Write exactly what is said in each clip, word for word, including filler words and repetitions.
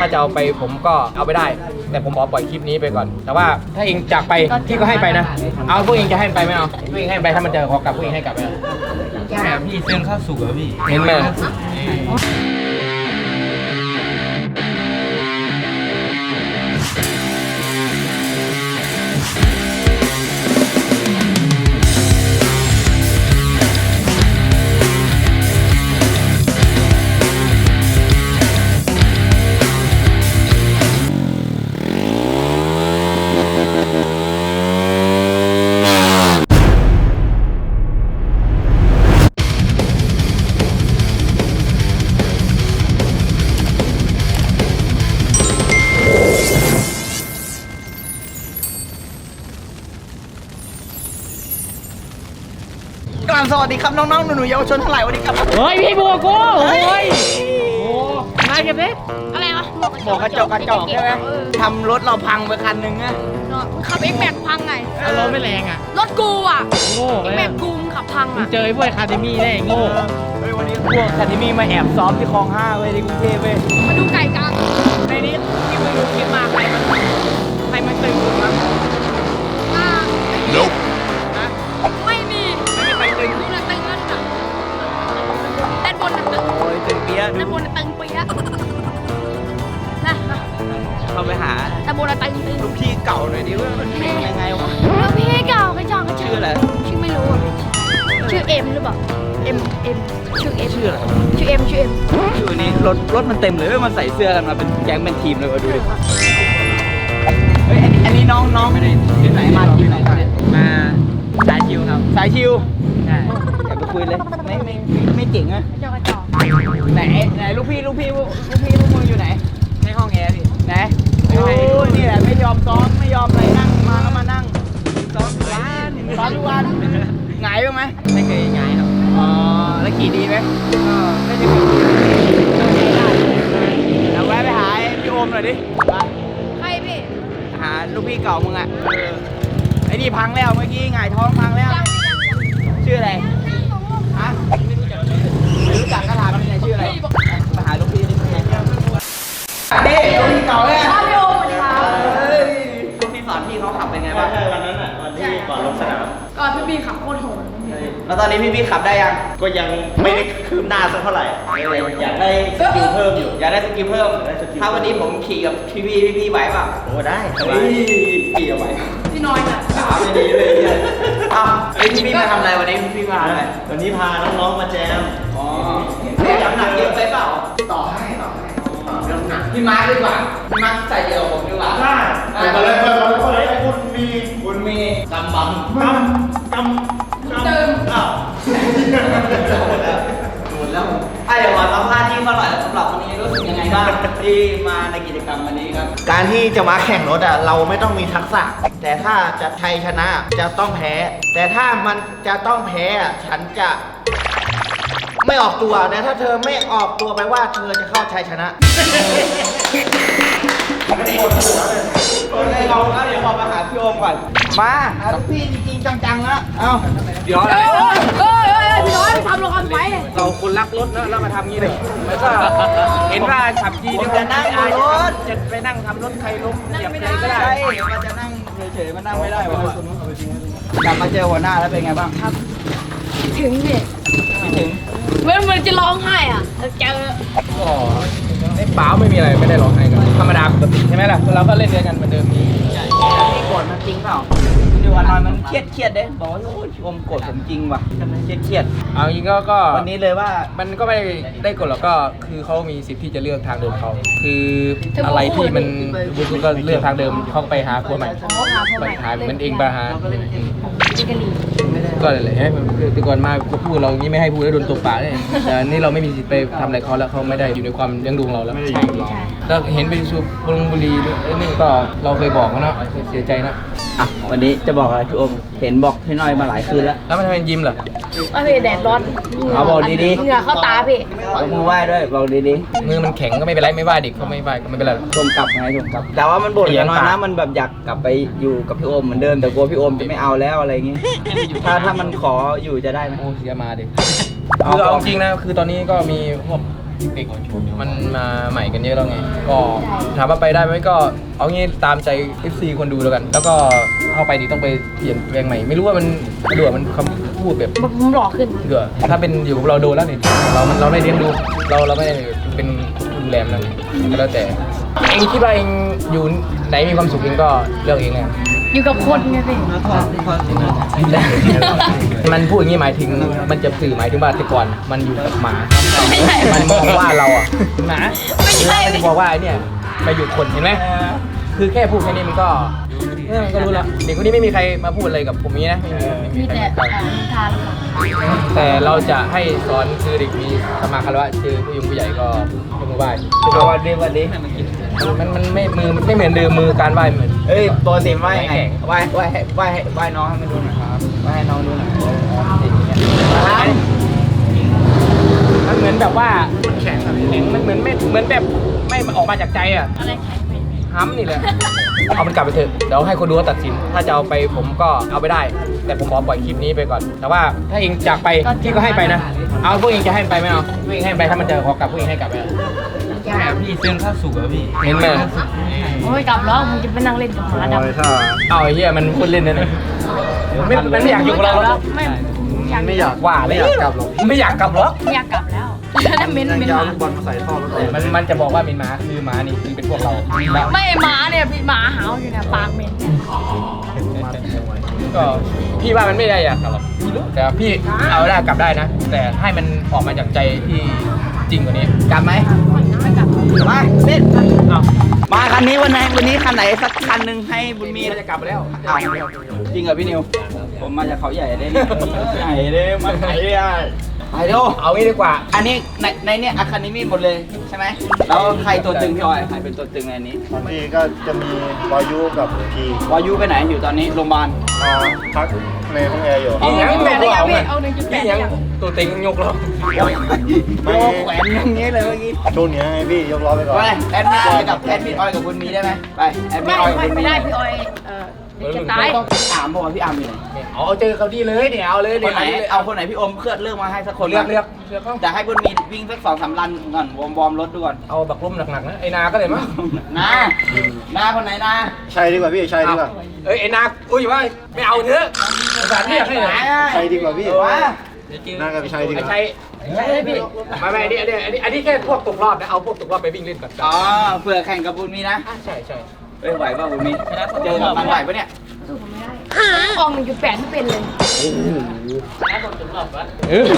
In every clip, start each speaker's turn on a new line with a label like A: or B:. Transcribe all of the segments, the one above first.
A: ถ้าจะเอาไปผมก็เอาไปได้แต่ผมขอปล่อยคลิปนี้ไปก่อนแต่ว่าถ้าเองจากไปพี่ก็ให้ไปนะเอาพวกเองจะให้ไปไหมเอาพวกเองให้ไปถ้ามันจะขอกลับพวกเองให้กลับไหมใช่พี่เส้นข้าวสุกเหรอพี่เห็นไหม
B: สวัสดีครับน้องๆหนูๆเยาวชนทั้งหลายวันนี้ครับ
A: เฮ้ยพี่บัวกูโอ้ยโอ้มาเก็บดิ
C: อะไรวะ
B: บอกกระจกกระจกใช่ไหมทำรถเราพังไปคันหนึ่งอะ
C: ขับเอ็กแม็กพังไง
A: รถไม่แรงอ่ะ
C: รถกูอ่ะ
A: โง่
C: เอ็ก
A: เล
C: แม็
A: ย
C: กกูมขับพังอ่ะ
A: เจอไอ้พวกคาเดมี่ได้โง่
B: เฮ้ยวันนี้พวกคันนี้มีมาแอบซ้อมที่คลองห้าเว้ยที่กรุงเทพเว้ย
C: มาดูไก่กลาง
B: ในนี้ที่มึงดูคลิปมาใครมันใครมันตึงสุดวะ
C: อ่า
B: Nope
C: ไม่มี
B: ไม่มีใครตึง
C: ดูนะตึงนั่นน่ะด้านบนน่ะตึง
B: โอ้ยตึงเปี้ยดู
C: ด้านบนน่ะตึงเปี๊ยะนะ
B: เข้าไปหา
C: ด้านบนน่ะตึงตึง
B: ลูกพี่เก่าหน่อยดิว่ามันเป็นยังไงวะ
C: แล้วพี่เก่ากระจอกกระจอก
B: ชื่ออะไร
C: ชื่อไม่รู้อ่ะชื่อเอ็มหรือเปล่าเอ็มเอ็มชื่อเอ็ม
B: ชื่ออะไร
C: ชื่อเอ็มชื่อเอ็ม
B: อยู่นี่รถรถมันเต็มเลยเว้ยมันใส่เสื้อกันมาเป็นแก๊งเป็นทีมเลยว่ะดูดิเฮ้ยอันนี้อันนี้น้องน้องไม่ได้ที่ไหนมาที่ไหนมาสายชิวครับสายชิวใช่อย่าไปคุยเลยไม่ไม่ไม่ไม่เจ๋งอะ
C: กระจอกกระจอก
B: ไหนไหนลูกพี่ลูกพี่ลูกพี่ลูกมึงอยู่ไหนในห้องแอร์พี่ไหนโอ้ยนี่แหละไม่ยอมซ้อมไม่ยอมอะไรนั่งมาก็มานั่งซ้อมทุกวันซ้อมทุกวันหงายบ้างไหมไม่เคยหงายครับอ๋อแล้วขี่ดีไหมก็ไม่ได้ขี่เราแวะไปหาพี่โอมหน่อยดิไป
C: ใครพี่
B: หาลูกพี่เก่ามึงอ่ะไอ้นี่พังแล้วเมื่อกี้หงายท้องพังแล้ว ชื่ออะไรฮะไม่รู้จักก็ถามมันไงชื่ออะไรมาหาลูกพี่นี่ไงนี่ลูกพี่เก่าเลย
C: พ่อพี่โอมสวัสดีครับ
B: ลูกพี่สอนพี่เขาขับเป็นไงบ้าง
D: ใช่วันนั้นอ่ะวันที่ก่อนลงสนาม
C: ก่อนพี่บีขับโคตรโหด
B: แล้วตอนนี้พี่พี่ขับได้ยัง
D: ก็ยังไม่ได้คืบหน้าสักเท่าไหร่อยากได้สกิลเพิ่มอยู่
B: อยากได้สกิลเพิ่ม
D: ได้สกิล
B: ถ้าวันนี้ผมขี่กับพี่พี่พี่พี่ไหวเปล่า
D: โอ้ได้ส
B: เฮ้
D: บาย
B: ยขี่เอาไหว
C: พี่น้อยน่ะ
B: ถามไม่ดีเลยเนี่ยอ้าวไอ้พี่พี่มาทำอะไรวันนี้พี่พี่มาทำอะไร
D: วันนี้พาน้องๆมาแจม
B: อ๋อน้ำหนักเยอะไปเปล่า ต่อให้ต่อให้น้ำหนักพี่มาร์คดีกว่าพี่มาร์คใส่เยอะกว่าผมดีกว่า
D: ได้ไปเลยไปเลยไปเลยคุณมี
B: คุณมีกำบัง
D: กำกำ
C: เติม
D: อ้าว
B: หมดแล้วอ่ะเดี๋ยวขอสัมภาษณ์ที่เขาหน่อยสำหรับวันนี้รู้สึกยังไงบ้างที่มาในกิจกรรมวันนี้ครับ
D: การที่จะมาแข่งรถอ่ะเราไม่ต้องมีทักษะ แต่ถ้าจะชัยชนะจะต้องแพ้ แต่ถ้ามันจะต้องแพ้อ่ะฉันจะไม่ออกตัวแต่ถ้าเธอไม่ออกตัวไปว่าเธอจะเข้าชัยชนะ
B: โอเคเราก็เดี๋ยวขอมาหาพี่โอมก่อน มาหาลูกพี่จริงๆจังๆนะเอ้าเดี๋ยว
C: เฮ้ยเฮ้ยเฮ้ยพี่น้อยไปทำลงกันไว้
A: เราคนรักรถนะแล้วมาทำงี้เลยแล้วก็เห็นว่าขับขี่
B: ผมจะนั่งบนรถ
A: จะไปนั่งทำรถใครล้มเหยียบอะไรก็ได้
B: ใช่มันจะนั่งเฉยๆมันนั่งไม่ได้วะกลับมาเจอหัวหน้าแล้วเป็นไงบ้างครับ
C: ถึงพี่
B: คิดถึง
C: เหมือนเหมือนจะร้องไห้อ่ะเจอ
A: ก็ไอ้เปล่าไม่มีอะไรไม่ได้ร้องไห้กันธรรมดาปกติใช่ไหมล่ะเราก็เล่นด้วยกันเหมือนเดิมนี้
B: พี่โกรธมันจริงเปล่ามันอยู่วันนอนมันเครียดเครียดๆเด้บอกว่าโอ้ยพี่โอมโกรธผมจริงว่ะเครียดเครียด
A: เอาจริงก็ก็
B: ๆวันนี้เลยว่า
A: มันก็ไม่ได้ได้กฎหรอกก็คือเขามีสิทธิ์ที่จะเลือกทางเดิมเขาคืออะไรที่มันบุญก็เลือกทางเดิมเขาก็ไปหาผัวใหม่
C: เขาหาพ่อ
A: ไป
C: ใหม่
A: หาเหมือนเองไปหา
C: จิกกะลี
A: ก็เลยเลยแต่ก่อนมาก็พูดเราอย่างนี้ไม่ให้พูดแล้วโดนตบปากเนี่ยแต่นี่เราไม่มีสิทธิ์ไปทำอะไรเขาแล้วเขาไม่ได้อยู่ในความเลี้ยงดูของเราแล้ว
C: ใช่ใช่
A: แล้วเห็นไปสูบบุหรี่บุหรี่นี่ก็เราเคยบอกเขาเนาะเสียใจนะ
B: อ่ะวันนี้จะบอกอะไรพี่โอมเห็นบอกพี่น้อยมาหลายคืนแล้ว
A: แล้วมันทำเป็นยิ้มเหรอ
C: ว่าพี่แดดร้อน
B: เอาบอกดีๆ
C: เหงื่อเข้าตาพี่
B: ยกมือไหว้ด้วยบอกดี
A: มือมันแข็งก็ไม่เป็นไรไม่ว่าเด็กเขาไม่ว่าก็ไม่เป็นไร
B: ๆชมกลับไงชมกลับ แต่ว่ามันบ่นกันน้อยนะมันแบบอยากกลับไปอยู่กับพี่โอมเหมือนเดิมแต่กลัวพี่โอมจะไม่เอาแล้วอะไรอย่างงี้ถ้าถ้ามันขออยู่จะได้ไหม
A: โอ้เสียมาดิคือเอาจริงนะคือตอนนี้ก็มีพวกเด็กมันมาใหม่กันเยอะแล้วไงก็ถามว่าไปได้ไหมก็เอางี้ตามใจ เอฟ ซี คนดูแล้วกัน แล้วก็เข้าไปดีต้องไปเปลี่ยนแปลงใหม่ไม่รู้ว่ามันเดือมันคำพูดแบบ
C: ผมหล่อขึ้น
A: เดือถ้าเป็นอยู่กับเราโดนแล้วนี่เรามันเราไม่เลี้ยงดูเราเราไม่ได้เป็นดูแลมันก็แล้วแต่เองคิดว่าเองอยู่ไหนมีความสุขเองก็เลือกเองไง
C: อยู่กับคนไงพี่
A: มันพูดอย่างนี้หมายถึงมันจะสื่อหมายถึงว่าแต่ก่อนมันอยู่กับหมา
C: ไม่ใช่
A: มันมองว่าเราอ่ะหมา
C: ไม่ใช่
A: มันจะบอกว่าไอ้เนี่ยไปอยู่คนเห็นไหมคือแค่พูดแค่นี้มันก็เออมันก็รู้แล้วเด็กคนนี้ไม่มีใครมาพูดอะไรกับผมนี้นะไม่มีไม่
C: มี
A: มีใคร
C: แต่
A: มา
C: นิทาน
A: แต่เราจะให้สอนคือเด็กมีสมาคารวะเจอผู้ยงผู้ใหญ่ก็ยกมือไหว้
B: เอาวันนี้วันนี้
A: มันมันไม่มือไม่เหมือนเดิมมือการไหว้เหมือน
B: เอ้ยปกติไหว้ไงไหว้ไหว้ให้ไหว้ให้ไหว้น้องให้มันดูหน่อยครับไหว้ให้น้องดูหน่อยครับ
A: มันเหมือนแบบว่ามันแข็งอะแข็งมันเหมือนไม่เหมือนแบบไม่ออกมาจากใจอ่ะ
C: อะไรแข็งไป
A: ห้ำนี่แหละ เอามันกลับไปเถอะเดี๋ยวให้คนดูเขาตัดสิน ถ้าจะเอาไปผมก็เอาไปได้ แต่ผมขอปล่อยคลิปนี้ไปก่อน แต่ว่าถ้าเองจากไปพี่ก็ให้ไปนะ เอาพวกเองจะให้ไปไหมเอาพวกเองให้ไปถ้ามันเจอขอกลับพวกเองให้กลับไปเอา
E: ใช่อะพี่เส้นข้าวสุกอะพี่
A: เห็นไหม
C: โอ้ยกลับแล้วมึงจะไปนั่งเล่นกับหมาดำ
A: เอาไอ้เหี้ยมันพูดเล่นนะเนี่ยไม่มันไม่อยากอยู่กับเราแล้ว
C: ไม่อยาก
A: ไม่อยากว่าเลยไม่อยากกลับหรอกไม่อยากกลับหรอก
C: ไม่อยากกลับแล้วแล้วเม้นเม้นหมา
A: มันมันจะบอกว่าเป็นหมาคือหมานี่คือเป็นพวกเราแล้ว
C: ไม่หมาเนี่ยพี่หมาหาวอยู่เนี่ยปากเหม็นเนี่ย
A: ก็พี่ว่ามันไม่ได้อยากกลับหรอกแต่พี่เอาได้กลับได้นะ แต่ให้มันออกมาจากใจที่จริงกว่านี้
B: กลับไหม
C: ไม่กลับ
B: มาเล่น
A: เอา
B: มาคันนี้วันไหนวันนี้คันไหนสักคันหนึ่งให้บุญมี
A: เราจะกลับไปแล้ว
B: อ้าวจริงเหรอพี่นิว ผมมาจากเขาใหญ่เลยเนี่ยใหญ่เลยมาไหนเนี่ยไปดู
A: เอางี้ดีกว่า
B: อันนี้ในในเนี่ยอาคาเดมี่หมดเลยใช่ไหมแล้วใครตัวตึงพี่ออยใครเป็นตัวตึงในนี้
F: พี่ก็จะมีวายุกับพี
B: วายุไปไหนอยู่ตอนนี้โรงพยาบาล
F: มาพักในห้องแอร์อยู่
A: พี่ยัง
C: แปดได้
A: ย
C: ยัง
A: ก
C: พี่
A: เรา
C: เอาหนึ่งจุดแป
A: พี่
C: ด
A: ยัง
C: ยัง
A: ตัวเต็งยกเรา
B: โยกแขวนอย่างนี้เลยเมื่อกี้
F: ช่วงนี้ให้พี่ยกล้อไปก่อน
B: ไปแอดมิดออยกับแอดมิดออยกับบุญมีได้ไหมไปแอดมิ
C: ไม่
B: ดออยกับ
C: ไม่
B: บุญ
C: ไม่
B: มี
C: ได้พี่ออยเออจะตาย
B: ถามบอกว่าพี่อาร์มอยู่ไหน
A: เอาเจอเขาดีเลยเดี๋ยวเอาเลย
B: ค
A: เดี๋ย
B: น
A: ว
B: ไหน
A: เอาเลย
B: เอาคนไหนพี่อมเคลื่อนเลือกมาให้สักคน
A: เลือกเลือกเลือกเขา
B: จะให้บุญมีวิ่งสักสองสามรันก่อนวอร์มวอร์มรถดูก่อน
A: เอาบักลุ่มหนักๆนะไอ้นาก็เลยมั้ง
B: นานาคนไหนนา
F: ใช่ดีกว่าพี่ใช่ดีกว่า
A: เอ้ยไอ้นาอุ้ยว่าไม่เอาเถอะสารเรียกให้หน่อย
F: ใช่ดีกว่าพี่
B: ว่า
F: น่าจะใช่ดีก
A: ไอ้
F: ว่า
A: ชัยใช่พี่ไม่ไม่อันนี้อันนี้อันนี้อันนี้แค่พวกตกรอบนะเอาพวกตกรอบไปวิ่งเล่นก่อน
B: อ๋อเผื่อแข่งกับบุญมีนะ
A: ใช่ใช่
B: เอ้ยไหวป่ะบุญมีเจอกับมันไหวปะเนี่ย
C: สู้ผมไม่ได้ออกหนึ่งจุดแปดไม่เป็นเลย
A: เออ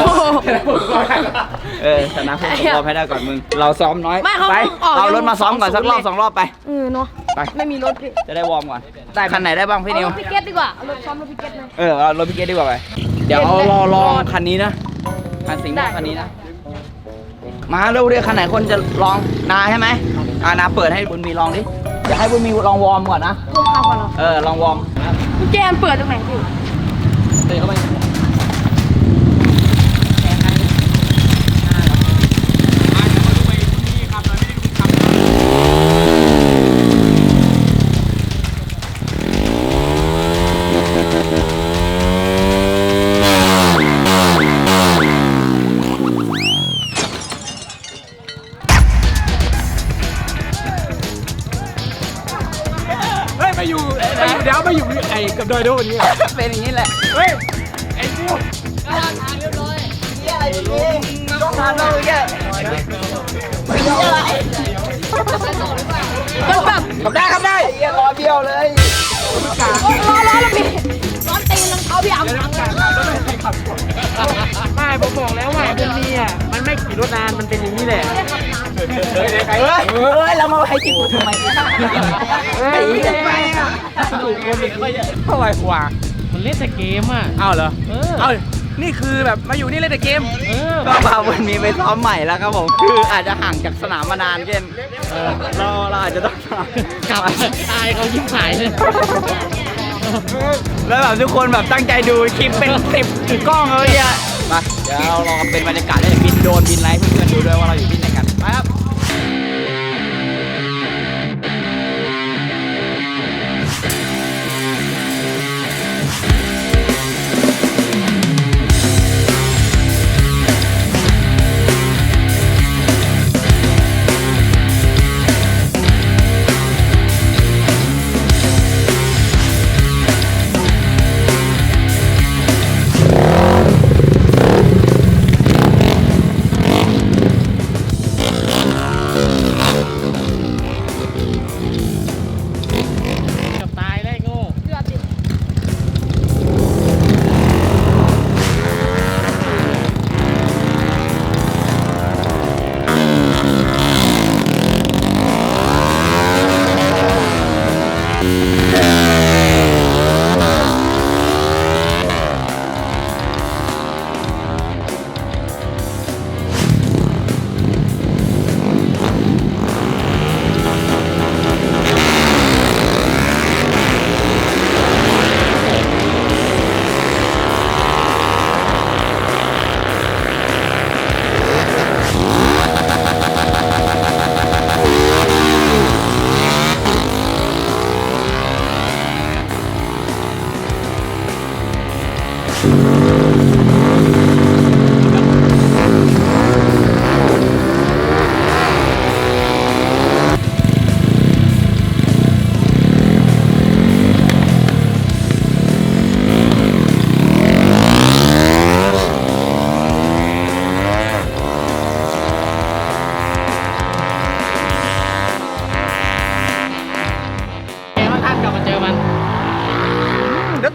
B: เออชนะพวกตกรอบให้ได้ก่อนมึงเราซ้อมน้อย
C: ไม่เขา
B: ไป
C: ออก
B: เอารถมาซ้อมก่อนสักรอบสองรอบไป
C: เออเนาะ
B: ไป
C: ไม่มีรถพี่
B: จะได้วอร์มก่อนได้คันไหนได้บ้างพี่นิว
C: เอารถพิเก็ตดีกว่าเอารถซ้อมรถพิเก็ตเลย
B: เออเอารถพี่เกดดีกว่าไปเดี๋ยวเอารอลองคันนี้นะคันสีม่วงคันนี้นะมาเร็วเรียกคันไหนคนจะลองนาใช่ไหมอ่านาเปิดให้บุญมีลองดิจะให้บุญมีลองวอร์มก่อนนะ
C: ร่วมเข้ากันเหรอ
B: เออลองวอร์ม
C: กุญแจมันเปิดตรงไหนพี่
A: เตะเข้าไป เฮ้ยมาอยู่มาอยู่เดี๋ยวมาอยู่ไอ้กับดอยโดวันนี้
B: เป็นอย่างนี้แหละ
A: เฮ้ยไอ้ฟิว
B: นี่อะไรนี่ต้องทำเราแย่ไม่ใช่อะไร
C: มันแบบ
B: ขับได้ขับได้เยี่ยรอเบี้ยวเลย
C: ร้อนร้อนแล้วพี่ร้อนตีนรองเท้าพี่อ่ำ
E: ไม่ผมบอกแล้วว่าบุญมีอ่ะมันไม่ขี่รถนานมันเป็นอย่างนี้แหละ
A: เฮ้ยใคร
B: เฮ้ยเฮ้ยเรามาให้กินกูทำไมไอ้ยี่ไปอ่ะ
A: เท่าไหร่กว่า
E: มันเล่นแต่เกมอ่ะ
A: เอาเหรอ
E: เออ
A: เอานี่คือแบบมาอยู่นี่เล่นแต่เกม
E: เออ
B: ก็พาวันนี้ไปซ้อมใหม่แล้วครับผมคืออาจจะห่างจากสนามมานานเกินเราเราอาจจะต้องกลับ
E: อายเขายิ้มหายเลย
B: แล้วแบบทุกคนแบบตั้งใจดูคลิปเป็นสิบกล้องเลยอ่ะมาเดี๋ยวเราลองเป็นบรรยากาศได้บินโดรนบินไลฟ์เพื่อนๆดูด้วยว่าเราอยู่ที่ไหนกันไปครับ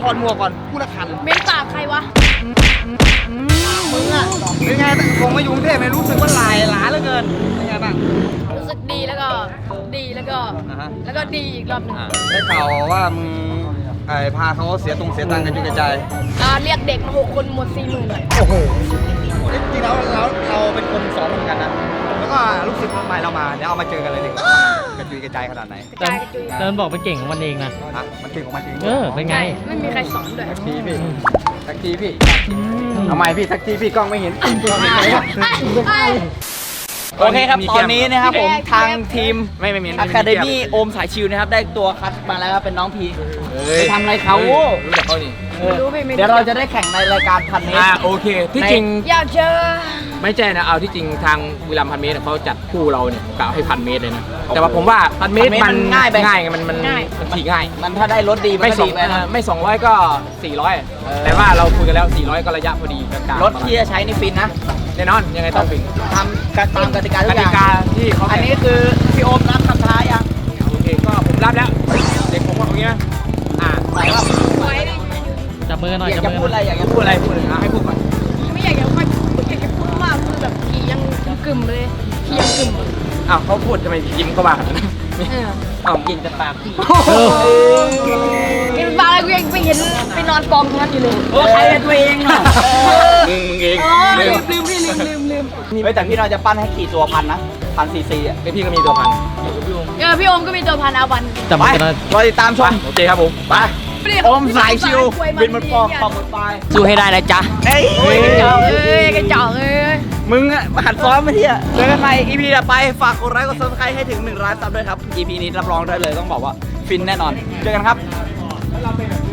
B: ถอดหมวกก่อนพูดละคัน
C: เมนปากใครวะ
B: มึงอ่ะเป็นไงคงมาอยู่กรุงเทพไม่รู้สึกว่าหลายหลาเหลือเกินเป็นไงบ้าง
C: รู้สึกดีแล้วก็ดีแล้วก็
B: อ่าฮะ
C: แล้วก็ดีอีกรอบหนึ่ง
B: ได้ข่าวว่ามึงไอ้พาเขาเสียตรงเสียตังค์กันจุกกระจาย
C: อ่าเรียกเด็กมาหกคนหมดสี่หมื่นเลย
B: โอ้โหจริงๆแล้วเราเราเป็นคนสอนเหมือนกันนะแล้วก็ลูกศิษย์ใหม่เรามาเดี๋ยวเอามาเจอกันเลยดีกว่ากระจุยกระจายขนาดไหน
C: กระจายกระจุย
E: เดินบอกเป็นเก่งของมันเองนะ
B: อ่ะมันเก่งของมันจริง
E: เออ เป็นไง
C: ใช่ไม่มีใครสอนด้วย
A: ทีพี่ทักทีพี่ทำไมพี่ทักทีพี่กล้องไม่เห็นกล้องไม่เห็น
B: โอเคครับตอนนี้นะครับผมทางทีม
A: ไม่ไม่มี
B: อะคาเดมี่โอมสายชิวนะครับได้ตัวคัดมาแล้วครับเป็นน้องพี
A: เฮ้ย
B: ไปทำอะไรเขา
A: รู้จักเขานี่
B: เออเดี๋ยวเราจะได้แข่งในรายการพันเมตร
A: อ่าโอเคที่จริง
C: อยากเจอ
A: ไม่ใช่นะเอาที่จริงทางวิลัมพันเมตรเขาจัดคู่เราเนี่ยกะให้พันเมตรเลยนะแต่ว่าผมว่าพันเมตรมันง่ายไปง่ายไงมันมันมันขี่ง่าย
B: มันถ้าได้รถดีมัน
A: ไม่
B: ก็
A: สอ
B: ดี
A: ง
B: ไปนะ
A: ไม่สองร้อยก็สี่ร้อย
B: เออ
A: แต่ว่าเราคุยกันแล้วสี่ร้อยก็ระยะพอดีกลางๆ
B: รถที่จะใช้นี่ฟินนะ
A: แน่นอนยังไงต้องฟิน
B: ทำตามกติกาทุ
A: ก
B: กอ
A: ติ
B: ย่าง
A: กาที่เขา
B: อันนี้คือพี่โอมรับคำท้ายัง
A: โอเคก็ผมรับแล้วเด็กผมว่าตรงนี้นะอ่า
B: ไหนว่า
C: ไว้ดิ
E: จับมือหน่อย
B: อยาก
E: จับ
B: จะ
E: มือ
B: พูดอะไรอยากจะ
A: พู
B: พู
A: ด
B: ด
A: อะไรพูดเลยนะให้พูดก่อน
C: ไม่อยากจะไม่อยากจะพูดมากคือแบบขี่ยังกึ่มๆเลยขี่ยังกึ่ม
A: อ้าวเขาพูดทำไมยิ้มเขาบ้าขนาดนั้น
C: เออ
A: อ้าวกินแต่ปากพี่
C: กินปลาอะไรกูยังไม่เห็นไปนอนกองตรงนั้นอยู่เลย
B: โอ้ใครเป็นตัวเองอ่ะ
A: มึงมึงเอง
C: อ๋อ
A: ลื
C: ลื
A: ม
C: มลืมพี่ลืมลืมลืม
B: เฮ้ยแต่พี่เราจะปั้นให้ขี่ตัวพันนะพันซีซีอ่ะ
A: ไอพี่ก็มีตัวพัน
C: เออพี่โอมก็มีตัวพันอาวัน
E: จับ
B: ไป
E: มือกันหน่อย
B: รอติดตามชม
A: โอเคครับผมไป
B: โอมสายชิวบินบนฟองฟองบนปลายสู้ให้ได้นะจ๊ะเฮ้ย
C: เอ้ยกระจอกเอ้ยกระจอกเอ้ย
B: มึงอะมาหัดซ้อมมาที่อะเจอกันใหม่ อี พี ต่อไปฝากกดไลค์กดซับสไครต์ให้ถึงหนึ่งล้านซับด้วยครับ อี พี นี้รับรองได้เลยต้องบอกว่าฟินแน่นอน เจอกันครับ